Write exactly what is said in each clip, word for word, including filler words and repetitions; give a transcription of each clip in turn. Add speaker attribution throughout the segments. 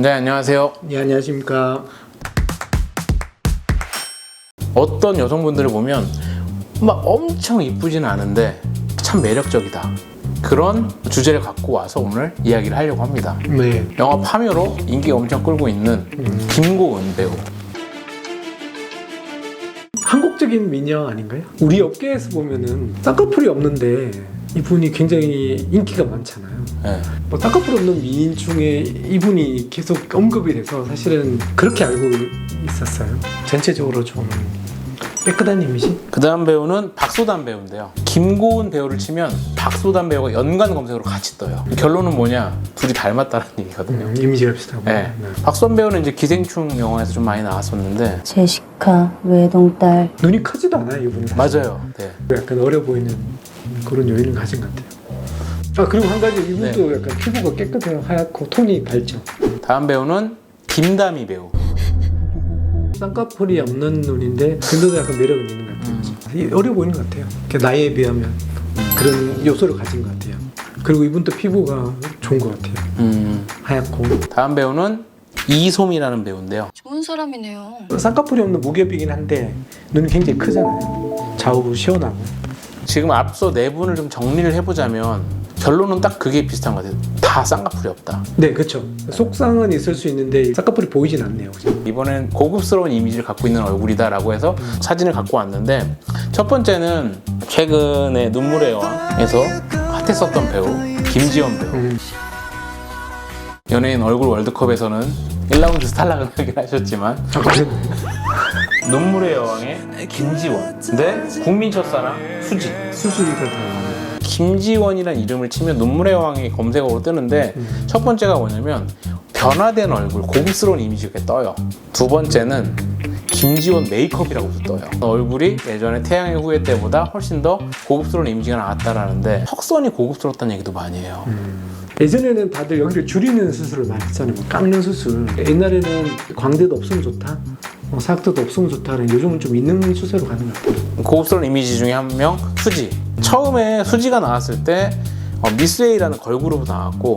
Speaker 1: 원장님 안녕하세요.
Speaker 2: 네, 안녕하십니까.
Speaker 1: 어떤 여성분들을 보면 막 엄청 이쁘지는 않은데 참 매력적이다. 그런 주제를 갖고 와서 오늘 이야기를 하려고 합니다.
Speaker 2: 네.
Speaker 1: 영화 파묘로 인기가 엄청 끌고 있는
Speaker 2: 음.
Speaker 1: 김고은 배우.
Speaker 2: 한국적인 미녀 아닌가요? 우리 업계에서 보면은 쌍꺼풀이 없는데 이분이 굉장히 인기가 많잖아요.
Speaker 1: 네.
Speaker 2: 뭐 쌍꺼풀 없는 미인 중에 이분이 계속 언급이 돼서 사실은 그렇게 알고 있었어요. 전체적으로 좀 깨끗한 이미지?
Speaker 1: 그 다음 배우는 박소담 배우인데요. 김고은 배우를 치면 박소담 배우가 연관 검색으로 같이 떠요. 결론은 뭐냐? 둘이 닮았다는 얘기거든요.
Speaker 2: 음, 이미지가 비슷하고.
Speaker 1: 네.
Speaker 2: 네.
Speaker 1: 박소담 배우는 이제 기생충 영화에서 좀 많이 나왔었는데
Speaker 3: 제시카 외동딸.
Speaker 2: 눈이 크지도 않아요, 이분은. 사실.
Speaker 1: 맞아요. 네.
Speaker 2: 약간 어려 보이는 그런 요인을 가진 것 같아요. 아, 그리고 한 가지 이분도
Speaker 1: 네.
Speaker 2: 약간 피부가 깨끗해요. 하얗고 톤이 밝죠.
Speaker 1: 다음 배우는 김다미 배우.
Speaker 2: 쌍꺼풀이 없는 눈인데 근데도 약간 매력은 있는 것 같아요. 음. 어려 보이는 것 같아요. 나이에 비하면 그런 요소를 가진 것 같아요. 그리고 이분도 피부가 좋은 것 같아요.
Speaker 1: 음.
Speaker 2: 하얗고.
Speaker 1: 다음 배우는 이솜이라는 배우인데요.
Speaker 3: 좋은 사람이네요.
Speaker 2: 쌍꺼풀이 없는 무겹이긴 한데 눈이 굉장히 크잖아요. 좌우 시원하고.
Speaker 1: 지금 앞서 네 분을 좀 정리를 해보자면 결론은 딱 그게 비슷한 것 같아요. 다 쌍꺼풀이 없다.
Speaker 2: 네, 그렇죠. 속상은 있을 수 있는데 쌍꺼풀이 보이진 않네요. 그죠?
Speaker 1: 이번엔 고급스러운 이미지를 갖고 있는 얼굴이다라고 해서
Speaker 2: 음.
Speaker 1: 사진을 갖고 왔는데 첫 번째는 최근에 눈물의 여왕에서 핫했었던 배우 김지원 배우.
Speaker 2: 음.
Speaker 1: 연예인 얼굴 월드컵에서는 일 라운드 스탈락을 하긴 하셨지만
Speaker 2: 아, 그래요?
Speaker 1: 눈물의 여왕의 김지원 대 국민 첫사랑 수지.
Speaker 2: 수술이가 더.
Speaker 1: 김지원이라는 이름을 치면 눈물의 여왕이 검색어로 뜨는데
Speaker 2: 음.
Speaker 1: 첫 번째가 뭐냐면 변화된 얼굴, 고급스러운 이미지가 떠요. 두 번째는 김지원 메이크업이라고도 떠요. 얼굴이 예전에 태양의 후예 때보다 훨씬 더 고급스러운 이미지가 나왔다라는데 턱선이 고급스럽다는 얘기도 많이 해요.
Speaker 2: 음. 예전에는 다들 여기를 줄이는 수술을 많이 했잖아요. 뭐 깎는 수술. 옛날에는 광대도 없으면 좋다, 뭐 사각도도 없으면 좋다는 요즘은 좀 있는 추세로 가는 것 같아요.
Speaker 1: 고급스러운 이미지 중에 한 명 수지. 처음에 수지가 나왔을 때 어, 미스웨이라는 걸그룹으로 나왔고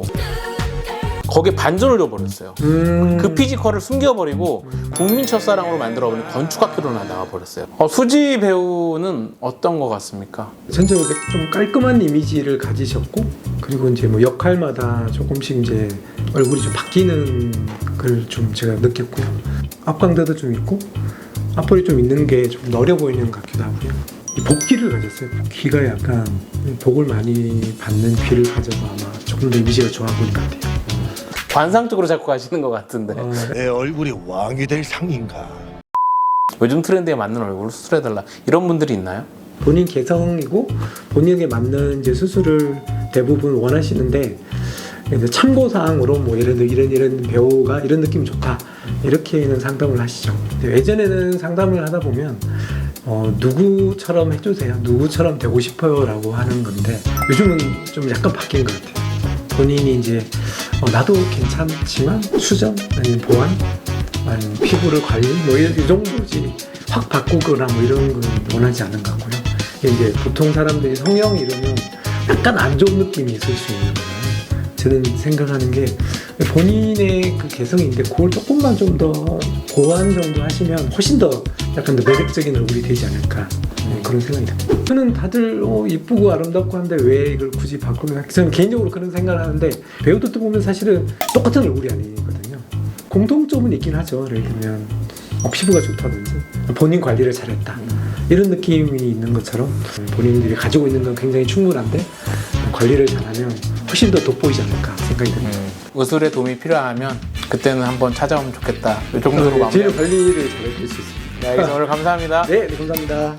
Speaker 1: 거기에 반전을 줘버렸어요.
Speaker 2: 음.
Speaker 1: 그 피지컬을 숨겨버리고 국민 첫사랑으로 만들어버린 건축학교로 나가버렸어요. 어, 수지 배우는 어떤 것 같습니까?
Speaker 2: 전체적으로 좀 깔끔한 이미지를 가지셨고, 그리고 이제 뭐 역할마다 조금씩 이제 얼굴이 좀 바뀌는 걸 좀 제가 느꼈고요. 앞광대도 좀 있고 앞볼이 좀 있는 게 좀 어려 보이는 것 같기도 하고요. 이 복귀를 가졌어요. 귀가 약간 복을 많이 받는 귀를 가져서 아마 조금 더 이미지가 좋아 보이는 것 같아요.
Speaker 1: 관상적으로 자꾸 가시는 것 같은데
Speaker 2: 어,
Speaker 4: 내 얼굴이 왕이 될 상인가?
Speaker 1: 요즘 트렌드에 맞는 얼굴을 수술해달라 이런 분들이 있나요?
Speaker 2: 본인 개성이고 본인에게 맞는 이제 수술을 대부분 원하시는데, 이제 참고사항으로 뭐 예를 들어 이런 이런 배우가 이런 느낌이 좋다 이렇게는 상담을 하시죠. 예전에는 상담을 하다 보면 어, 누구처럼 해주세요, 누구처럼 되고 싶어요 라고 하는 건데 요즘은 좀 약간 바뀐 것 같아요. 본인이 이제 어, 나도 괜찮지만 수정 아니면 보완 아니면 피부를 관리 뭐 이, 이 정도지 확 바꾸거나 뭐 이런 건 원하지 않는 것 같고요. 이제 보통 사람들이 성형 이러면 약간 안 좋은 느낌이 있을 수 있는 거예요. 저는 생각하는 게 본인의 그 개성인데 그걸 조금만 좀 더 보완 정도 하시면 훨씬 더 약간 더 매력적인 얼굴이 되지 않을까, 네, 그런 생각이 듭니다. 저는 다들 어, 이쁘고 아름답고 한데 왜 이걸 굳이 바꾸면, 저는 개인적으로 그런 생각을 하는데 배우들도 보면 사실은 똑같은 얼굴이 아니거든요. 공통점은 있긴 하죠. 예를 들면 어, 피부가 좋다든지 본인 관리를 잘했다 이런 느낌이 있는 것처럼 본인들이 가지고 있는 건 굉장히 충분한데 관리를 잘하면 훨씬 더 돋보이지 않을까 생각이 듭니다.
Speaker 1: 음, 의술에 도움이 필요하면 그때는 한번 찾아오면 좋겠다 이 정도로
Speaker 2: 제
Speaker 1: 마무리.
Speaker 2: 관리를 잘해줄 수 있습니다.
Speaker 1: 네, 알겠습니다. 오늘 감사합니다.
Speaker 2: 네, 네, 감사합니다.